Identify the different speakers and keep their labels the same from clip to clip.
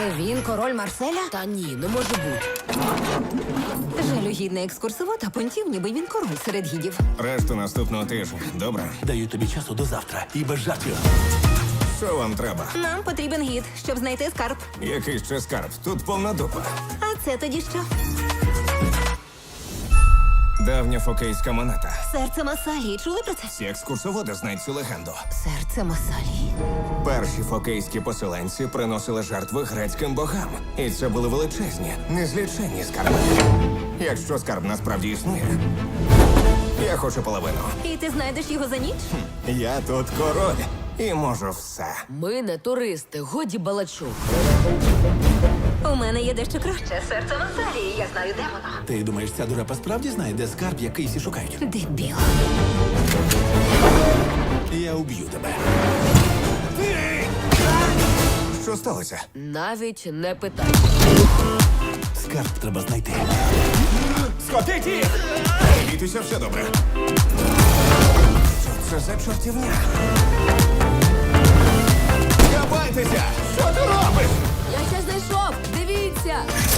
Speaker 1: Це він, король Марселя?
Speaker 2: Та ні, не може бути.
Speaker 1: Жалюгідний екскурсовод, а понтів, ніби він король серед гідів.
Speaker 3: Решту наступного тижня. Добре?
Speaker 4: Даю тобі часу до завтра. І без жартів.
Speaker 3: Що вам треба?
Speaker 1: Нам потрібен гід, щоб знайти скарб.
Speaker 3: Який ще скарб? Тут повна дупа.
Speaker 1: А це тоді що?
Speaker 3: Давня фокейська монета.
Speaker 1: Серце Масалії. Чули про це?
Speaker 3: Всі екскурсоводи знають цю легенду.
Speaker 1: Серце Масалії.
Speaker 3: Перші фокейські поселенці приносили жертви грецьким богам. І це були величезні, незліченні скарби. Якщо скарб насправді існує, я хочу половину.
Speaker 1: І ти знайдеш його за ніч?
Speaker 3: Я тут король і можу все.
Speaker 2: Ми не туристи, годі балачок.
Speaker 1: У мене є дещо краще. Серце Масалії. Я знаю, де воно.
Speaker 4: Ти думаєш, ця дурепа справді знає, де скарб, який всі шукають?
Speaker 1: Дебіл.
Speaker 4: Я уб'ю тебе.
Speaker 3: Що сталося?
Speaker 2: Навіть не питай.
Speaker 4: Скарб треба знайти.
Speaker 3: Скотить їх! Бійтеся, все добре. Що це за чортівня? Кабайтеся! Що ти робиш?
Speaker 2: Я ще знайшов! Дивіться!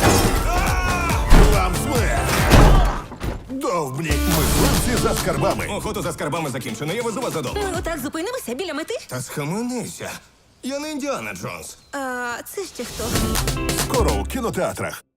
Speaker 5: Вам смерть! Довбні! Мисливці за скарбами!
Speaker 3: Охота за скарбами закінчена, я везу вас додому.
Speaker 1: Ми отак зупинимося біля мети?
Speaker 3: Та схаменися. Я не Індіана Джонс.
Speaker 1: А це ще хто?
Speaker 5: Скоро у кінотеатрах!